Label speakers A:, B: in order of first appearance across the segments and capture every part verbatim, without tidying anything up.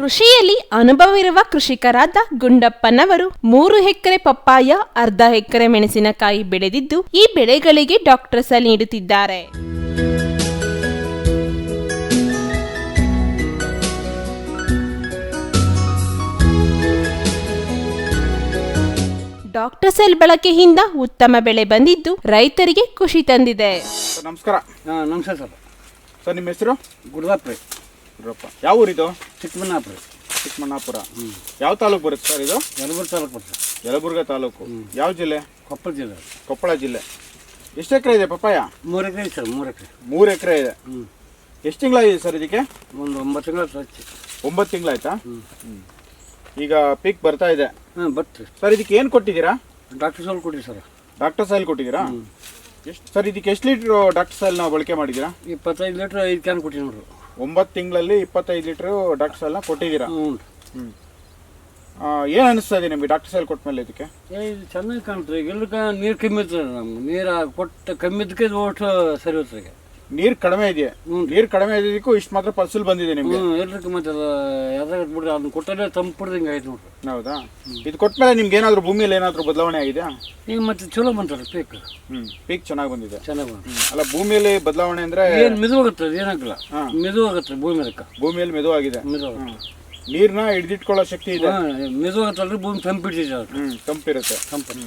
A: ಕೃಷಿಯಲ್ಲಿ ಅನುಭವವಿರುವ ಕೃಷಿಕರಾದ ಗುಂಡಪ್ಪನವರು ಮೂರು ಎಕರೆ ಪಪ್ಪಾಯ, ಅರ್ಧ ಎಕರೆ ಮೆಣಸಿನಕಾಯಿ ಬೆಳೆದಿದ್ದು ಈ ಬೆಳೆಗಳಿಗೆ ಡಾಕ್ಟರ್ ಸಲ್ ನೀಡುತ್ತಿದ್ದಾರೆ. ಡಾಕ್ಟರ್ ಸೆಲ್ ಬಳಕೆಯಿಂದ ಉತ್ತಮ ಬೆಳೆ ಬಂದಿದ್ದು ರೈತರಿಗೆ ಖುಷಿ ತಂದಿದೆ.
B: ನಮಸ್ಕಾರ.
C: ನಮಸ್ಕಾರ ಸರ್.
B: ಸರ್ ನಿಮ್ಮ ಹೆಸರು?
C: ಗುರುದಪ್ಪ ರೀ.
B: ಗುರುದಪ್ಪ. ಯಾವ ಊರಿದು?
C: ಚಿಕ್ಕಮಣ್ಣಾಪುರ.
B: ಚಿಕ್ಕಮಣ್ಣಾಪುರ. ಯಾವ ತಾಲೂಕು ಬರುತ್ತೆ ಸರ್ ಇದು?
C: ಯಲಬುರ್ಗ ತಾಲೂಕು ಬರುತ್ತೆ.
B: ಯಲಬುರ್ಗ ತಾಲೂಕು. ಯಾವ ಜಿಲ್ಲೆ?
C: ಕೊಪ್ಪಳ ಜಿಲ್ಲೆ.
B: ಕೊಪ್ಪಳ ಜಿಲ್ಲೆ. ಎಷ್ಟು ಎಕರೆ ಇದೆ ಪಪ್ಪಾಯ?
C: ಮೂರು ಎಕರೆ ಇದೆ ಸರ್. ಮೂರು ಎಕರೆ.
B: ಮೂರು ಎಕರೆ ಇದೆ. ಎಷ್ಟು ತಿಂಗಳಾಗಿದೆ ಸರ್ ಇದಕ್ಕೆ?
C: ಒಂದು ಒಂಬತ್ತು ತಿಂಗಳ ಹಚ್ಚಿ.
B: ಒಂಬತ್ತು ತಿಂಗಳಾಯ್ತಾ? ಈಗ ಪೀಕ್ ಬರ್ತಾ ಇದೆ.
C: ಹಾಂ ಬರ್ತೀರಿ
B: ಸರ್. ಇದಕ್ಕೆ ಏನು ಕೊಟ್ಟಿದ್ದೀರಾ?
C: ಡಾಕ್ಟರ್ ಸಾಲ್ ಕೊಟ್ಟಿರಿ ಸರ್.
B: ಡಾಕ್ಟರ್ ಸಾಯಿಲ್ ಕೊಟ್ಟಿದ್ದೀರಾ? ಎಷ್ಟು ಸರ್ ಇದಕ್ಕೆ ಎಷ್ಟು ಲೀಟ್ರ್ ಡಾಕ್ಟರ್ ಸಾಯಿಲ್ ನಾವು ಬಳಕೆ ಮಾಡಿದ್ದೀರಾ?
C: ಇಪ್ಪತ್ತೈದು ಲೀಟ್ರ್ ಐದು ಕ್ಯಾನ್ ಕೊಟ್ಟಿರಿ ನೋಡ್ರಿ.
B: ಒಂಬತ್ತು ತಿಂಗಳಲ್ಲಿ ಇಪ್ಪತ್ತೈದು ಲೀಟ್ರ್ ಡಾಕ್ಟರ್ ಸಾಯಿಲ್ನ ಕೊಟ್ಟಿದ್ದೀರಾ?
C: ಹ್ಞೂ
B: ಹ್ಞೂ ಏನು ಅನಿಸ್ತಾ ಇದೆ ನಿಮಗೆ ಡಾಕ್ಟರ್ ಸಾಯಿಲ್ ಕೊಟ್ಟ ಮೇಲೆ? ಇದಕ್ಕೆ
C: ಏ ಇದು ಚೆನ್ನಾಗಿ ಕಾಣ್ತದೆ. ಈಗ ಎಲ್ಲಕ್ಕೆ ನೀರು ಕಮ್ಮಿ ಇರ್ತದೆ ನಮ್ಗೆ. ನೀರು ಕೊಟ್ಟು ಕಮ್ಮಿ ಇದಕ್ಕೆ ಓಟ್ ಸರಿ ಹೋಗ್ತದೆ. ಈಗ
B: ನೀರು ಕಡಿಮೆ ಇದೆಯಾ? ನೀರು ಕಡಿಮೆ ಇದ್ದಕ್ಕೂ ಇಷ್ಟು ಮಾತ್ರ ಫಸಲು ಬಂದಿದೆ ನಿಮಗೆ?
C: ಹ್ಞೂ ಎಲ್ರಿಗೂ ಮತ್ತೆ ಅದು ಯಾವ್ದಾಗ ಬಿಡ್ರಿ ಅದನ್ನ ಕೊಟ್ಟಲ್ಲೇ ತಂಪು ಬಿಡ್ದಂಗೆ ಆಯ್ತು ನೋಡ್ರಿ.
B: ಹೌದಾ? ಇದು ಕೊಟ್ಟ ಮೇಲೆ ನಿಮ್ಗೆ ಏನಾದರೂ ಭೂಮಿಯಲ್ಲಿ ಏನಾದರೂ ಬದಲಾವಣೆ ಆಗಿದೆ?
C: ಈಗ ಮತ್ತೆ ಚಲೋ ಬಂತಾರೆ ಪೀಕ್.
B: ಹ್ಞೂ ಪೀಕ್ ಚೆನ್ನಾಗಿ ಬಂದಿದೆ.
C: ಚೆನ್ನಾಗಿ ಬಂತು.
B: ಅಲ್ಲ ಭೂಮಿಯಲ್ಲಿ ಬದಲಾವಣೆ ಅಂದರೆ
C: ಏನು ಮೆದುವಾಗುತ್ತೆ. ಅದು ಏನಾಗಲ್ಲ, ಮೆದುವಾಗುತ್ತೆ ಭೂಮಿ. ಅದಕ್ಕೆ
B: ಭೂಮಿಯಲ್ಲಿ ಮೆದುವಾಗಿದೆ.
C: ಮೆದುವಾಗುತ್ತೆ.
B: ನೀರನ್ನ ಹಿಡಿದಿಟ್ಕೊಳ್ಳೋ ಶಕ್ತಿ ಇದೆ.
C: ಮೆದುವಾಗತ್ತಲ್ರಿ ಭೂಮಿ ತಂಪಿಡ್ತಿದೆ.
B: ಹ್ಞೂ ತಂಪಿರುತ್ತೆ.
C: ತಂಪು.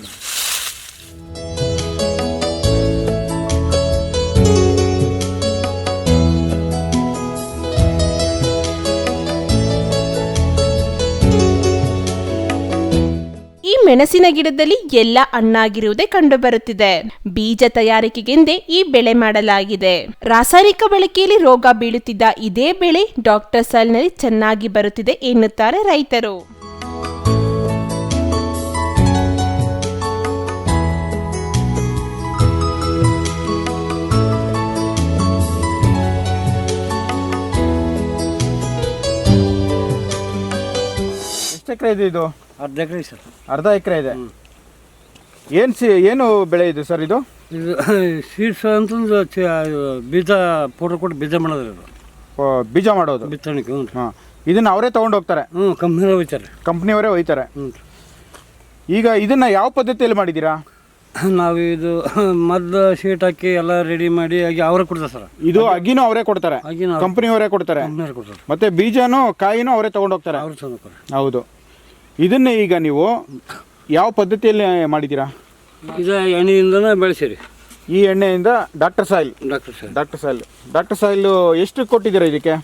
A: ಈ ಮೆಣಸಿನ ಗಿಡದಲ್ಲಿ ಎಲ್ಲ ಹಣ್ಣಾಗಿರುವುದೇ ಕಂಡುಬರುತ್ತಿದೆ. ಬೀಜ ತಯಾರಿಕೆಗೆಂದೇ ಈ ಬೆಳೆ ಮಾಡಲಾಗಿದೆ. ರಾಸಾಯನಿಕ ಬಳಕೆಯಲ್ಲಿ ರೋಗ ಬೀಳುತ್ತಿದ್ದ ಇದೇ ಬೆಳೆ ಡಾಕ್ಟರ್ ಸಾಲ್ನಲ್ಲಿ ಚೆನ್ನಾಗಿ ಬರುತ್ತಿದೆ ಎನ್ನುತ್ತಾರೆ ರೈತರು.
B: ಎಷ್ಟು ಎಕರೆ ಇದೆ ಇದು?
C: ಅರ್ಧ ಎಕರೆ ಸರ್.
B: ಅರ್ಧ ಎಕರೆ ಇದೆ. ಏನು ಸಿ ಏನು ಬೆಳೆ ಇದೆ ಸರ್ ಇದು?
C: ಇದು ಸೀಡ್ಸ್ ಅಂತಂದು ಬೀಜ ಪೌಡರ್ ಕೊಟ್ಟು ಬೀಜ ಮಾಡೋದು. ಇದು
B: ಬೀಜ ಮಾಡೋದು,
C: ಬಿತ್ತಣಿಕೆ. ಹ್ಞೂ
B: ಹಾಂ. ಇದನ್ನು ಅವರೇ ತೊಗೊಂಡು ಹೋಗ್ತಾರೆ?
C: ಹ್ಞೂ ಕಂಪ್ನಿಯವ್ರು ಹೋಗ್ತಾರೆ.
B: ಕಂಪ್ನಿಯವರೇ ಒಯ್ತಾರೆ.
C: ಹ್ಞೂ.
B: ಈಗ ಇದನ್ನು ಯಾವ ಪದ್ಧತಿಯಲ್ಲಿ ಮಾಡಿದ್ದೀರಾ?
C: ನಾವು ಇದು ಮದ್ದು ಶೀಟ್ ಹಾಕಿ ಎಲ್ಲ ರೆಡಿ ಮಾಡಿ ಆಗಿ ಅವರೇ ಕೊಡ್ತಾರೆ ಸರ್. ಇದು
B: ಅಗಿನೂ ಅವರೇ ಕೊಡ್ತಾರೆ?
C: ಅಗಿನ
B: ಕಂಪ್ನಿಯವರೇ ಕೊಡ್ತಾರೆ.
C: ಕಂಪ್ನಿಯವ್ರು ಕೊಡ್ತಾರೆ.
B: ಮತ್ತೆ ಬೀಜನೂ ಕಾಯಿನೂ ಅವರೇ ತೊಗೊಂಡು ಹೋಗ್ತಾರೆ?
C: ಅವ್ರು ತೊಗೊಂಡು.
B: ಹೌದು. ಇದನ್ನೇ ಈಗ ನೀವು ಯಾವ ಪದ್ಧತಿಯಲ್ಲಿ ಮಾಡಿದ್ದೀರಾ?
C: ಇದು ಎಣ್ಣೆಯಿಂದನೇ ಬೆಳೆಸಿರಿ.
B: ಈ ಎಣ್ಣೆಯಿಂದ doctor soil.
C: Doctor soil.
B: Doctor soil doctor soil ಎಷ್ಟು ಕೊಟ್ಟಿದ್ದೀರಾ ಇದಕ್ಕೆ?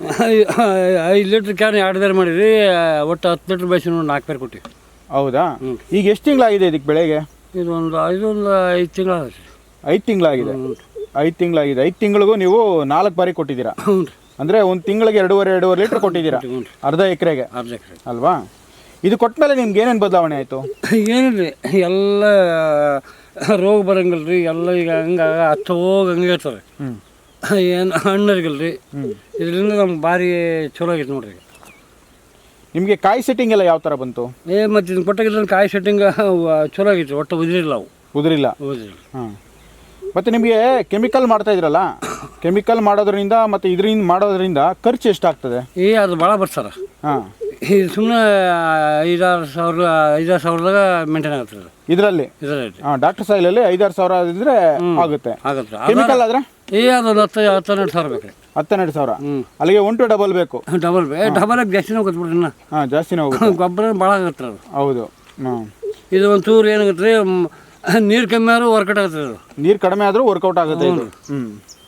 C: ಐದು ಲೀಟ್ರ್ ಕ್ಯಾನ್ ಎರಡು ಬೇರೆ ಮಾಡಿರಿ. ಒಟ್ಟು ಹತ್ತು ಲೀಟ್ರ್ ಬೆಳೆಸಿ ನೋಡಿ ನಾಲ್ಕು ಬೇರೆ ಕೊಟ್ಟಿವಿ.
B: ಹೌದಾ? ಈಗ ಎಷ್ಟು ತಿಂಗಳಾಗಿದೆ ಇದಕ್ಕೆ ಬೆಳೆಗೆ?
C: ಇದು ಒಂದು ಇದೊಂದು ಐದು ತಿಂಗಳಾಗಿದೆ.
B: ಐದು ತಿಂಗಳಾಗಿದೆ. ಐದು ತಿಂಗಳಾಗಿದೆ. ಐದು ತಿಂಗಳಿಗೂ ನೀವು ನಾಲ್ಕು ಬಾರಿ ಕೊಟ್ಟಿದ್ದೀರಾ?
C: ಹ್ಞೂ.
B: ಅಂದರೆ ಒಂದು ತಿಂಗಳಿಗೆ ಎರಡೂವರೆ ಎರಡೂವರೆ ಲೀಟ್ರ್ ಕೊಟ್ಟಿದ್ದೀರಾ ಅರ್ಧ ಎಕರೆಗೆ?
C: ಅರ್ಧ ಎಕರೆ
B: ಅಲ್ವಾ? ಇದು ಕೊಟ್ಟ ಮೇಲೆ ನಿಮ್ಗೆ ಏನೇನು ಬದಲಾವಣೆ ಆಯಿತು?
C: ಏನಿಲ್ಲ, ಎಲ್ಲ ರೋಗ ಬರಂಗಿಲ್ಲ ರೀ. ಎಲ್ಲ ಈಗ ಹಂಗೆ ಹತ್ತು ಹೋಗಿ ಹಂಗೆ ಇರ್ತದೆ. ಏನು ಹಣ್ಣರಿಗಿಲ್ಲ ರೀ. ಇದರಿಂದ ನಮ್ಗೆ ಭಾರಿ ಚಲೋ ಆಗೈತೆ ನೋಡ್ರಿ.
B: ನಿಮಗೆ ಕಾಯಿ ಸೆಟ್ಟಿಂಗ್ ಎಲ್ಲ ಯಾವ ಥರ ಬಂತು?
C: ಏ ಮತ್ತು ಇದನ್ನು ಕೊಟ್ಟಾಗಿಲ್ಲ ಕಾಯಿ ಸೆಟ್ಟಿಂಗ್ ಚಲೋ ಆಗೈತೆ. ಒಟ್ಟು ಉದುರಿಲ್ಲ ಅವು.
B: ಉದುರಿಲ್ಲ?
C: ಉದುರಿಲ್ಲ.
B: ಹಾಂ. ಮತ್ತು ನಿಮಗೆ ಕೆಮಿಕಲ್ ಮಾಡ್ತಾ ಇದ್ರಲ್ಲ, ಕೆಮಿಕಲ್ ಮಾಡೋದ್ರಿಂದ ಮತ್ತು ಇದರಿಂದ ಮಾಡೋದ್ರಿಂದ ಖರ್ಚು ಎಷ್ಟಾಗ್ತದೆ?
C: ಏ ಅದು ಭಾಳ ಬರ್ತಾರ.
B: ಹಾಂ.
C: ಇದು ಸುಮ್ಮನೆ ಐದಾರು ಸಾವಿರ ಐದಾರು ಸಾವಿರದಾಗ ಮೇಂಟೈನ್ ಆಗುತ್ತೆ
B: ಇದರಲ್ಲಿ.
C: ಇದರಲ್ಲಿ
B: ಹಾಂ. ಡಾಕ್ಟರ್ ಸಾಯಿಲಲ್ಲಿ ಐದಾರು ಸಾವಿರ ಇದ್ರೆ ಆಗುತ್ತೆ.
C: ಆಗುತ್ತೆ.
B: ಕೆಮಿಕಲ್ ಆದರೆ
C: ಏ ಅದೊಂದು ಹತ್ತು ಹತ್ತೆರಡು ಸಾವಿರ ಬೇಕು ರೀ.
B: ಹತ್ತೆರಡು ಸಾವಿರ.
C: ಹ್ಞೂ.
B: ಅಲ್ಲಿಗೆ ಒನ್ ಟು ಡಬಲ್ ಬೇಕು.
C: ಡಬಲ್ ಬೇ ಡಬಲ್ ಆಗಿ ಜಾಸ್ತಿನೇ ಹೋಗುತ್ತೆ ಬಿಡ್ರಿ. ಇನ್ನು
B: ಹಾಂ ಜಾಸ್ತಿನೇ ಹೋಗುತ್ತೆ.
C: ಗೊಬ್ಬರ ಭಾಳ ಆಗುತ್ತೆ ಅದು.
B: ಹೌದು. ಹಾಂ.
C: ಇದು ಒಂದು ಚೂರು ಏನಾಗುತ್ತೆ ರೀ, ನೀರು ಕಮ್ಮಿ ಆದ್ರೂ ವರ್ಕೌಟ್ ಆಗುತ್ತೆ. ಅದು
B: ನೀರು ಕಡಿಮೆ ಆದರೂ ವರ್ಕೌಟ್ ಆಗುತ್ತೆ ಇದು. ಹ್ಞೂ.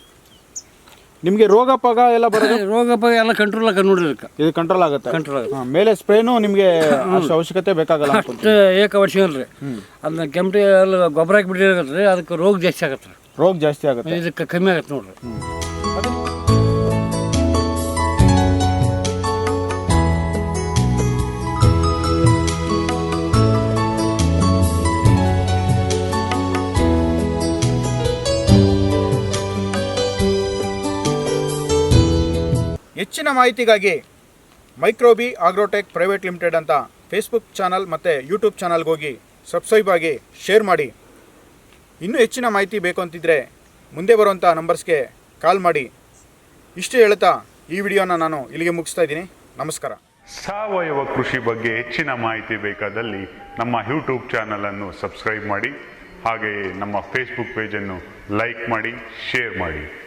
B: ನಿಮಗೆ ರೋಗ ಪಾಗ ಎಲ್ಲ ಬರೋದು?
C: ರೋಗ ಪಾಗ ಎಲ್ಲ ಕಂಟ್ರೋಲ್ ಆಗ ನೋಡ್ರಿ. ಇದಕ್ಕೆ
B: ಇದು ಕಂಟ್ರೋಲ್ ಆಗುತ್ತೆ.
C: ಕಂಟ್ರೋಲ್ ಆಗುತ್ತೆ.
B: ಮೇಲೆ ಸ್ಪ್ರೇನು ನಿಮಗೆ ಅಷ್ಟು ಅವಶ್ಯಕತೆ ಬೇಕಾಗಲ್ಲ.
C: ಅಷ್ಟು ಏಕ ವರ್ಷ ಅಲ್ರಿ. ಅದನ್ನ ಕೆಂಪಟಿ ಎಲ್ಲ ಗೊಬ್ಬರ ಹಾಕಿಬಿಟ್ಟಿರುತ್ತೆ ರೀ. ಅದಕ್ಕೆ ರೋಗ ಜಾಸ್ತಿ ಆಗುತ್ತೆ.
B: ರೋಗ ಜಾಸ್ತಿ ಆಗುತ್ತೆ.
C: ಇದಕ್ಕೆ ಕಮ್ಮಿ ಆಗುತ್ತೆ ನೋಡ್ರಿ.
B: ಹೆಚ್ಚಿನ ಮಾಹಿತಿಗಾಗಿ ಮೈಕ್ರೋಬಿ ಆಗ್ರೋಟೆಕ್ ಪ್ರೈವೇಟ್ ಲಿಮಿಟೆಡ್ ಅಂತ ಫೇಸ್ಬುಕ್ ಚಾನಲ್ ಮತ್ತು ಯೂಟ್ಯೂಬ್ ಚಾನಲ್ಗೆ ಹೋಗಿ ಸಬ್ಸ್ಕ್ರೈಬ್ ಆಗಿ ಶೇರ್ ಮಾಡಿ. ಇನ್ನೂ ಹೆಚ್ಚಿನ ಮಾಹಿತಿ ಬೇಕು ಅಂತಿದ್ದರೆ ಮುಂದೆ ಬರುವಂಥ ನಂಬರ್ಸ್ಗೆ ಕಾಲ್ ಮಾಡಿ. ಇಷ್ಟು ಹೇಳ್ತಾ ಈ ವಿಡಿಯೋನ ನಾನು ಇಲ್ಲಿಗೆ ಮುಗಿಸ್ತಾ ಇದ್ದೀನಿ. ನಮಸ್ಕಾರ.
D: ಸಾವಯವ ಕೃಷಿ ಬಗ್ಗೆ ಹೆಚ್ಚಿನ ಮಾಹಿತಿ ಬೇಕಾದಲ್ಲಿ ನಮ್ಮ ಯೂಟ್ಯೂಬ್ ಚಾನಲನ್ನು ಸಬ್ಸ್ಕ್ರೈಬ್ ಮಾಡಿ, ಹಾಗೆಯೇ ನಮ್ಮ ಫೇಸ್ಬುಕ್ ಪೇಜನ್ನು ಲೈಕ್ ಮಾಡಿ, ಶೇರ್ ಮಾಡಿ.